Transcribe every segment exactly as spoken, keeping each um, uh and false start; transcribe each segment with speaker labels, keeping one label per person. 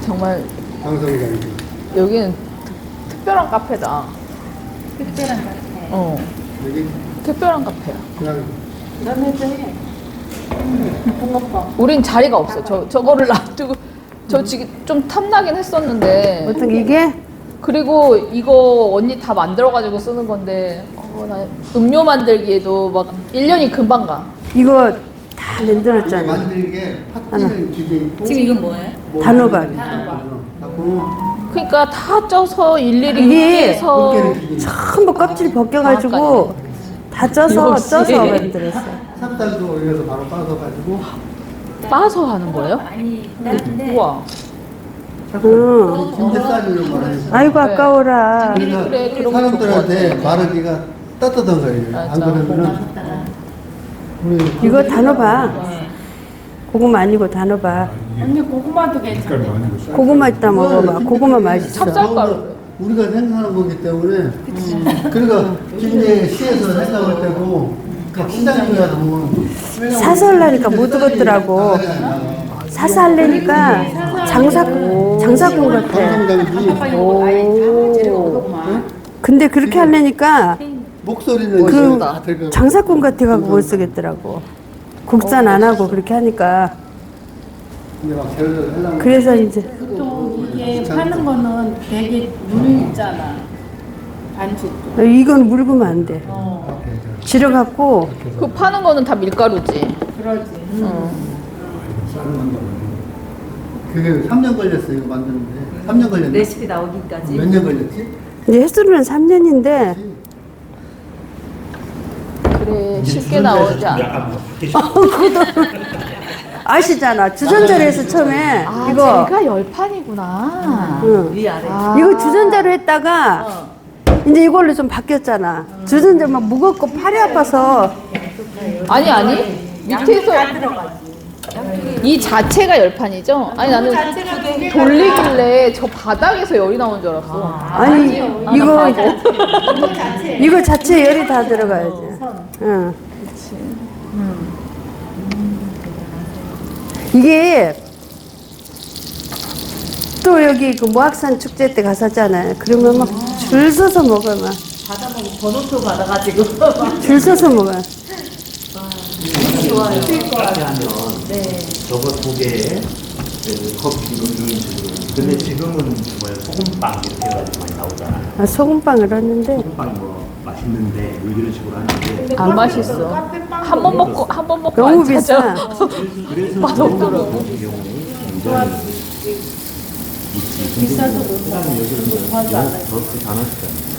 Speaker 1: 정말
Speaker 2: 방송장이.
Speaker 1: 여기는 특, 특별한 카페다.
Speaker 3: 특별한 카페.
Speaker 1: 어,
Speaker 2: 여기
Speaker 1: 특별한 카페야.
Speaker 2: 그냥
Speaker 3: 너네도 해. 붕어빵.
Speaker 1: 우린 자리가 없어. 저 저거를 놔두고 저 지금 좀 탐나긴 했었는데.
Speaker 4: 어떤 게 이게?
Speaker 1: 그리고 이거 언니 다 만들어가지고 쓰는 건데 어, 나 음료 만들기에도 막 일 년이 금방 가.
Speaker 4: 이거 다 만들었잖아.
Speaker 2: 만들게 팥찌는 기계 있고.
Speaker 3: 지금 이건 뭐예요?
Speaker 4: 단호박.
Speaker 1: 그러니까 다 쪄서 일일이
Speaker 4: 이게
Speaker 1: 해서
Speaker 4: 전부 껍질 벗겨가지고 다 쪄서
Speaker 1: 역시.
Speaker 4: 쪄서 만들었어.
Speaker 2: 삽살도 올려서 바로 빠져가지고.
Speaker 1: 빠서 하는 거예요?
Speaker 3: 많이 나는데.
Speaker 1: 우와.
Speaker 4: 응.
Speaker 2: 김대쌀이를 말하는.
Speaker 4: 아이고 아까워라.
Speaker 2: 그래서
Speaker 1: 그래, 그런 거
Speaker 2: 사람들한테
Speaker 1: 좋을 것
Speaker 2: 마르기가 따뜻한 거예요.
Speaker 1: 맞아.
Speaker 2: 안 그러면은 우리
Speaker 4: 이거 단호박. 고구마 아니고 단호박.
Speaker 3: 언니 고구마도 괜찮아.
Speaker 4: 고구마 있다 먹어봐. 고구마 맛있어.
Speaker 1: 찹쌀가루.
Speaker 2: 우리가 생산한 거기 때문에 음, 그러니까 굉장히 시에서 생각할 때고 그 시장님이라 보면
Speaker 4: 사서 하려니까 못 얻었더라고. 사서 하려니까 장사, 장사꾼 같아.
Speaker 2: 방송장비
Speaker 4: 오. 근데 그렇게 하려니까
Speaker 2: 목소리는
Speaker 4: 그
Speaker 2: 이제 다 들고
Speaker 4: 장사꾼 같아가지고 못 쓰겠더라고. 국산 안 하고 그렇게 하니까.
Speaker 2: 근데 막 제를 하려면
Speaker 4: 그래서 이제
Speaker 3: 보통 이게 파는 거는 되게 물잖아. 반죽도.
Speaker 4: 이건 물으면 안 돼.
Speaker 3: 어.
Speaker 4: 질어갖고
Speaker 1: 그 파는 거는 다 밀가루지.
Speaker 3: 그러지.
Speaker 1: 어.
Speaker 2: 그게 삼 년 걸렸어 이거 만드는데 삼 년 걸렸네.
Speaker 5: 레시피 나오기까지.
Speaker 2: 몇 년 걸렸지?
Speaker 4: 이제 횟수로는 삼 년인데
Speaker 1: 그래 쉽게 나오지 않아.
Speaker 4: 아시잖아. 주전자로 해서 처음에
Speaker 1: 아,
Speaker 4: 이거
Speaker 1: 제가 열판이구나.
Speaker 4: 응.
Speaker 5: 위아래.
Speaker 1: 아.
Speaker 4: 이거 주전자로 했다가 이제 이걸로 좀 바뀌었잖아. 주전자 막 무겁고 팔이 아파서
Speaker 1: 아니 아니 밑에서 이 자체가 열판이죠? 아니 나는 돌리길래 저 바닥에서 열이 나온 줄 알았어.
Speaker 4: 아니 이거 이거 자체 열이 다 들어가야지. 응. 이게 또 여기 그 모악산 축제 때 갔었잖아요. 그러면 막 줄 서서 먹어 막.
Speaker 5: 받아보고 번호표 받아가지고.
Speaker 4: 줄 서서 먹어.
Speaker 5: 좋아요.
Speaker 6: 네. 저거 두 개에 커피 이런 식으로. 근데 지금은 뭐야 소금빵 이렇게 해가지고 많이 나오잖아.
Speaker 4: 아, 소금빵을 했는데
Speaker 6: 소금빵 뭐 맛있는데 뭐 이런 식으로 하는데.
Speaker 1: 안 맛있어. 한 번 먹고 한 번 먹고
Speaker 4: 너무
Speaker 1: 안 찾아.
Speaker 4: 비싸.
Speaker 6: 그래서
Speaker 1: 맛없더라고.
Speaker 6: 같은 경우는 굉장히 있지. 비싸서 그다음에 여기는 더 크지 않았잖아.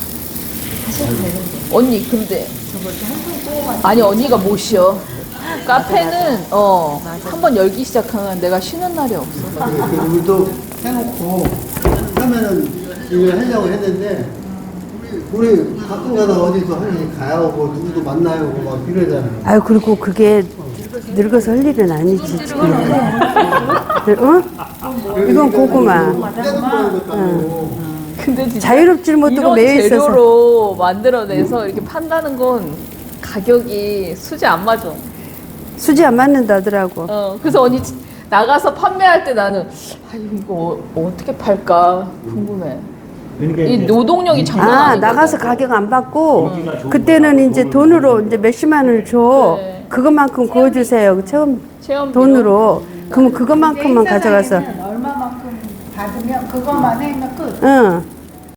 Speaker 1: 언니 근데 아니 언니가 못 쉬어. 카페는 어 한 번 열기 시작하면 내가 쉬는 날이 없어.
Speaker 2: 우리도 해놓고 하면은 이걸 하려고 했는데 우리 우리 가끔 가다 어디서 한 가야 오고 누구도 만나야 오고 막 이러잖아요.
Speaker 4: 아유 그리고 그게 늙어서 할 일은 아니지 지금. 어? 이건 고구마.
Speaker 2: 떼놓고 것도 아니고.
Speaker 1: 근데 진짜
Speaker 4: 자유롭지를 못하고
Speaker 1: 이런
Speaker 4: 매여 있어서.
Speaker 1: 재료로 만들어내서 이렇게 판다는 건 가격이 수지 안 맞아.
Speaker 4: 수지 안 맞는다더라고.
Speaker 1: 어 그래서 언니 지- 나가서 판매할 때 나는 아 이거 어, 어떻게 팔까 궁금해.
Speaker 6: 그러니까
Speaker 1: 이
Speaker 6: 이제
Speaker 1: 노동력이 장난
Speaker 4: 아
Speaker 1: 아니거든.
Speaker 4: 나가서 가격 안 받고 그때는 이제 돈으로 이제 몇십만 원을 줘.
Speaker 1: 네.
Speaker 4: 그것만큼 구워주세요. 처음
Speaker 1: 체험
Speaker 4: 돈으로. 그럼 그것만큼만 가져가서.
Speaker 3: 얼마만큼 받으면 그것만 해면 끝.
Speaker 4: 응.